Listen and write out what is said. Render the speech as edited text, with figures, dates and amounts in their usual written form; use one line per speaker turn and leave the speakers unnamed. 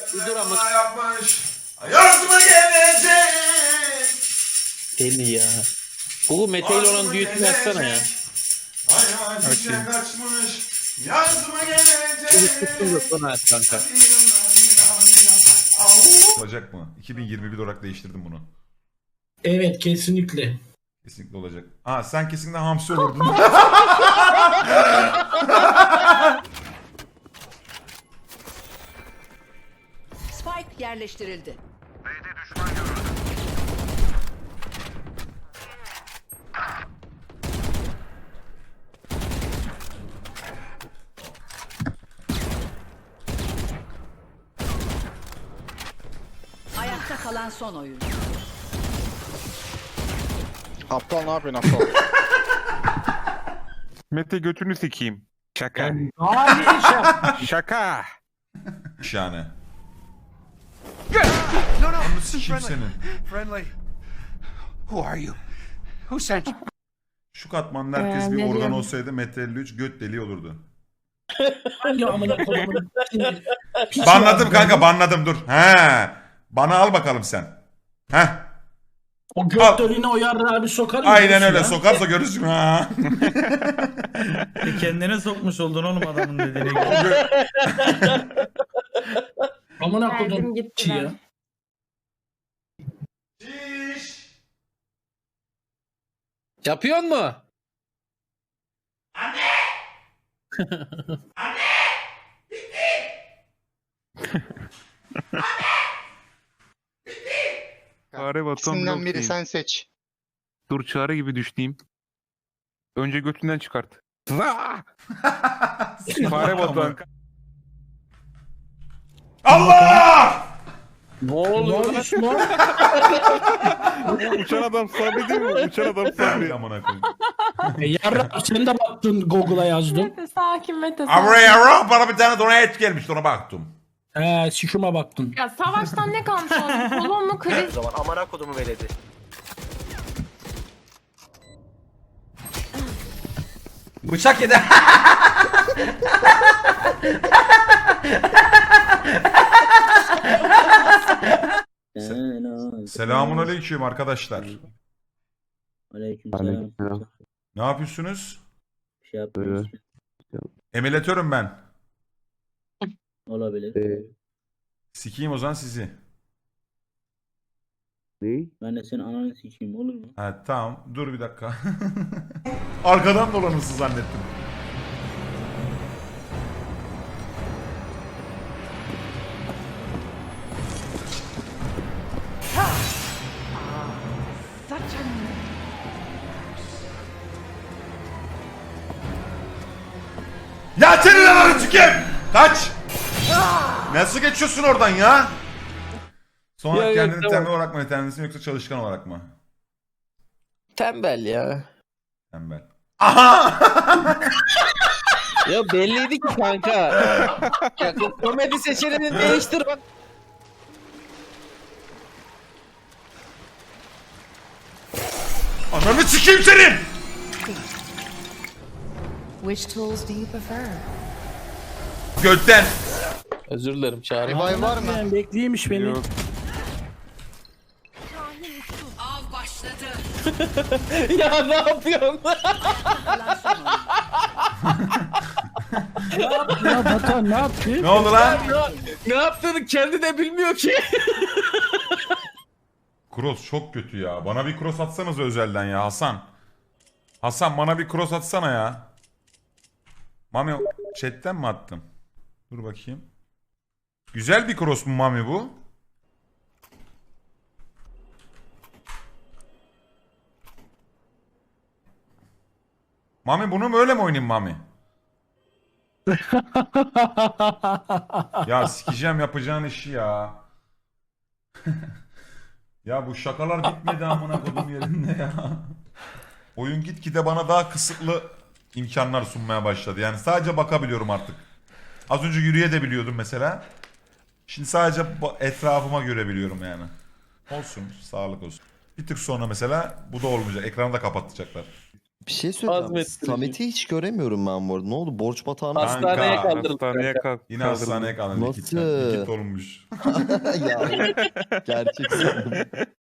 Bir dur ama.
Yapmış. Yardıma gelecek.
Deli ya. Google Mete ile olan düetini açsana ya.
Hayal kaçmış. Yardıma gelecek.
Sonra aç kanka.
Olacak mı? 2021 olarak değiştirdim bunu.
Evet kesinlikle.
Kesinlikle olacak. Aa sen kesinlikle hamsi olurdun.
Spike yerleştirildi. Ayakta kalan son oyuncu.
Aptal ne yapıyorsun aptal?
Mete götünü sikeyim. Şaka.
Hayır
Şaka.
Şahane.
No, no,
Onu
I'm
sikeyim
friendly.
senin.
Friendly. Who are you? Who sent you?
Şu katmanda herkes bir
ne
organ
diyorum?
olsaydı Mete 53 göt deliği olurdu.
ya amına koyayım.
Banladım kanka banladım dur. He. Bana al bakalım sen. He.
O
Al.
göt deliğine o yarrağı bir sokar mı?
Aynen
diyorsun
öyle
ya?
sokarsa görürsün ha.
Kendine sokmuş oldun oğlum adamın dediğine
O
göre.
gö-
Amına
Verdim
koydum
gitti
ki ya.
ben.
Yapıyor mu?
Fare batan
İkisinden biri
blok
sen seç.
Dur çare gibi düşteyim. Önce götünden çıkart. Fare batan.
Allah!
Ne
Ne
oluyor?
olmuş mu?
Uçan adam sabri değil mi? Uçan adam sabri.
Amına koyayım.
Yarra sen de baktın Google'a yazdın.
Mete sakin Mete sakin.
Avraya bana bir tane donate gelmişti ona baktım.
Sikime baktın.
Ya savaştan ne kalmış oğlum? Kolon mu kriz?
zaman amına kodumu veledi.
Bıçak yedi. Selamun aleyküm arkadaşlar.
Aleykümselam.
Ne yapıyorsunuz?
Bir şey yapmıyoruz.
Emülatörüm ben.
Olabilir.
Sikeyim o zaman sizi.
Ben de senin ananı sikeyim olur mu?
Ha tamam dur bir dakika. Arkadan dolanırsın zannettim. Ya senin ananı sikeyim! Kaç! Nasıl geçiyorsun oradan ya? Sonra
Ya,
kendini
tamam.
tembel olarak mı nitelendirsin yoksa çalışkan olarak mı?
Tembel ya.
Tembel. Aha!
Ya belliydi ki kanka. Ya komedi seçeneğini değiştir bak.
Ananı sikeyim senin!
Which tools do you prefer?
Gökten.
Özür dilerim çağrı.
Revive var mı?
Ben bekleymiş beni.
Yok.
Av başladı.
Ya ne yapıyorsun?
Kalan son oyuncu.
Ya Batan ne yaptı?
Ne oldu lan?
Ne yaptığını kendi de bilmiyor ki.
Cross çok kötü ya. Bana bir cross atsanız özelden ya Hasan. Hasan bana bir cross atsana ya. Mami chatten mi attım? Dur bakayım. Güzel bir cross mu Mami bu? Mami bunu mu öyle mi oynayayım Mami? Ya sikeceğim yapacağın işi ya. Ya bu şakalar bitmedi amına kodum yerinde ya. Oyun gitgide bana daha kısıtlı imkanlar sunmaya başladı. Yani sadece bakabiliyorum artık. Az önce yürüyebiliyordum mesela. Şimdi sadece etrafıma görebiliyorum yani. Olsun, sağlık olsun. Bir tık sonra mesela bu da olmayacak. Ekranı da kapatacaklar.
Bir şey söyleyeceğim.
Azmettirici.
Samet'i hiç göremiyorum ben bu arada. Ne oldu? Borç batağına
As- Hastaneye
Kanka,
kaldırdık
Hastaneye
kanka.
kalk.
Yine hastaneye kalın.
Nasıl?
Likit olmuş.
ya gerçek sandım.